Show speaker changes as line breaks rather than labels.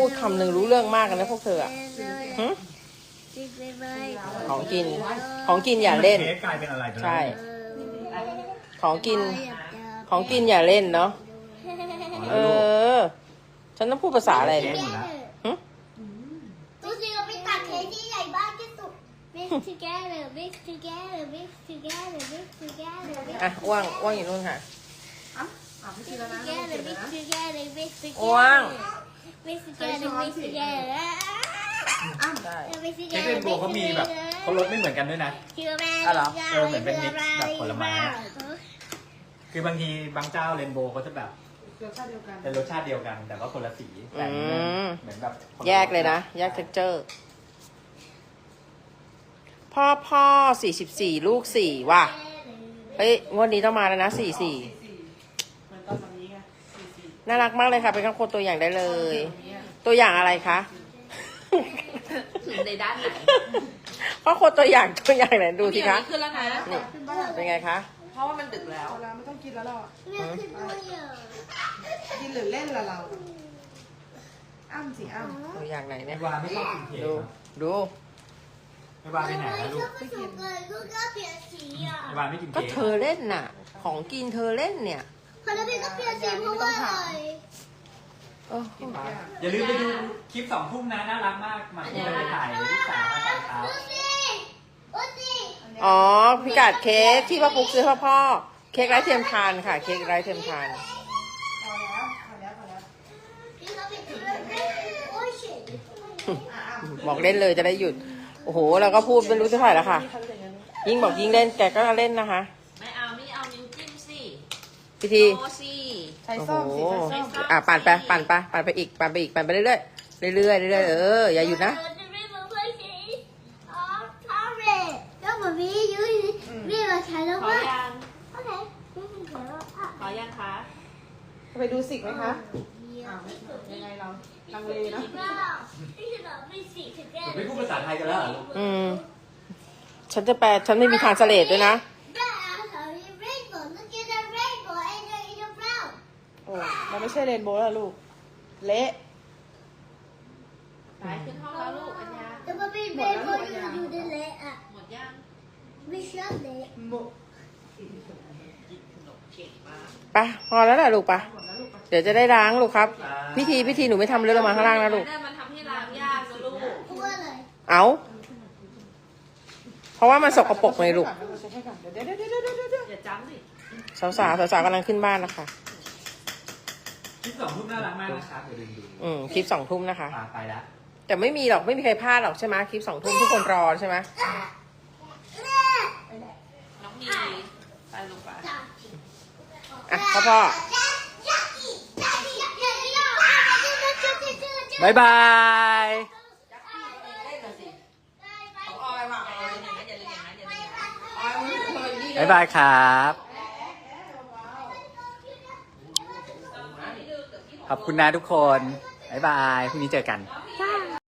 ดคำหนึ่งรู้เรื่องมากกันนะพวกเธออะหึของกิน ของกินอย่าเล่น
เค้กกลายเป็นอะไรไปแล้ว
ใช่ ของกิน ของกินอย่าเล่นเนาะ เออ ฉันต้องพูดภาษาอะไรเนี่ยหึ
ดูสิเราไปตัดเค้กที่ใหญ่บ้านที่สุด Mix together, mix together, mix together, mix together, mix
อ่ะว่างว่างอยู่นู่นค่ะ
ไม่กินแล้วนะ
together, mix together, mix together.
ว่าง
Mix together, mix together.
ได้
Mix
เค้ก
together,
เรนโบว์เขามีแบบเขารสไม่เหมือนกันด้วยนะ
อ๋อเหรอ
เหมือนเป็นมิกซ์แบบผลไม้ คือบางทีบางเจ้าเรนโบว์เขาจะแบบ
รสชาติเดียวกัน
เป็นรสชาติเดียวกัน แต่ว่าคนละสีแต่อันนี้เหมือนแบบคนละ
แยกเลยนะ แยกเท็กเจอร์ พ่อ44 ลูก 4 ว่ะ เฮ้ย งวดนี้ต้องมาแล้วนะ 44
เหมือนตอนแบบนี้ไง44
น่ารักมากเลยค่ะ เป็นครอบครัวตัวอย่างได้เลย ตัวอย่างอะไรคะ
ถึงในด้านไหน
ครอบครัวตัวอย่างไหนดูสิคะ
ขึ้นแล้วนะ
นี่เป็นไงคะ
เพราะว่ามันดึกแล้ว
เอาละไม่ต้องกินแล้วเราอะ
Milk and oil.
กินหรือเล่นละเรา อ้ำสิอ้ำ
ตัวอย่างไหน
ไอ
เนี่ย
วาไม่ชอบกินเค้ก
ดู
ครับ
ดู
ไอวาไปไหนนะลูก
ผสมเลยลูกก็เปลี่ยนสีอ่ะ
ไอวาไม่กิน
ก็
เค้ก
เธอเล่นน่ะ ของกินเธอเล่นเนี่ย
พอแล้วพี่ก็เปลี่ยนสีเพราะว่าอะไร
โอ้โห
อย่าลืมไปดูคลิป2 ทุ่มนะน่ารักมากมาที่ไปถ่ายลูกสาวมาตอนเช้า
ดูสิดูสิ
อ๋อพิกัดเค้กที่พ่อปุ๊กซื้อพ่อเค้กไร้เทียมทานค่ะ เค้กไร้เทียมทาน
พอแล้วพอแล้วพอแล้ว
พี่ก็เปลี่ยนสีโอ้ยเฉย
บอกเล่นเลยจะได้หยุด โอ้โหเราก็พูดไม่รู้จะเท่าไหร่แล้วค่ะ ยิ่งบอกยิ่งเล่นแกก็เล่นนะคะ
ไม่เอานิ้วจิ้มสิ
พิธี
โอสิ
ใช้
โอ้โห
ส้มสิใช้ส้ม
อ่ะปั่นไปปั่นไปอีกปั่นไปอีกปั่นไปเรื่อยๆเรื่อยๆอย่าหยุดนะ
จะไม่เหมือนเพื่อนสีอ๋อทอเรศแล้วเหมือนพี่ยุ้ยพี่มาใช้แล้ว
ขอ
ว่า
ยัง
โอเคพี่เป็นใช้แล้วอ่ะ
ขอยังคะ
ไปดูสิกไหมคะอ้าวยังไงเราลังเลนะ
พี่จะบอกไม่สีถึงแก่
ไม่พูดภาษาไทยกันแล้วเหรอลูก
อืมฉันจะแปลฉันไม่มีทางเสลดด้วยนะ
โอ้มันไม่ใช่เรนโบว์แล้วลูก เละ
ไปขึ้นห้องแล้วลูกอัญญา
แต่มันเป็นเรนโบว์อยู่ในเละอ่ะ
หมดยัง
ไม่ชอบเละ
หมด
กินขนมเก่งมาก
ไปพอแล้วล่ะลูกไป
หมดแล้วลูกไป
เดี๋ยวจะได้ล้างลูกครับ พิธีหนูไม่ทำเรื่องลงมาข้างล่างนะลูก
มันทำให้ล้างยากนะลูก
เพราะว่าอะไร
เอาเพราะว่ามันสกปรกเลยลูก
เช็ดให้ก่อนเดี๋ยว
อย่าจำสิ
สาวกำลังขึ้นบ้านนะคะ
คลิป2 ทุ่มน่ารักมากนะครับอย่าลืมดู
คลิป2 ทุ่มนะคะ
ไปแล้ว
แต่ไม่มีหรอกไม่มีใครพลาดหรอกใช่ไหมคลิป2 ทุ่มทุกคนรอใช่ไหม
น้องมีไปลูกไป
อ่ะพ่อ บ๊ายบาย บ๊ายบายครับ ขอบคุณนะทุกคน บ๊ายบาย พรุ่งนี้เจอกัน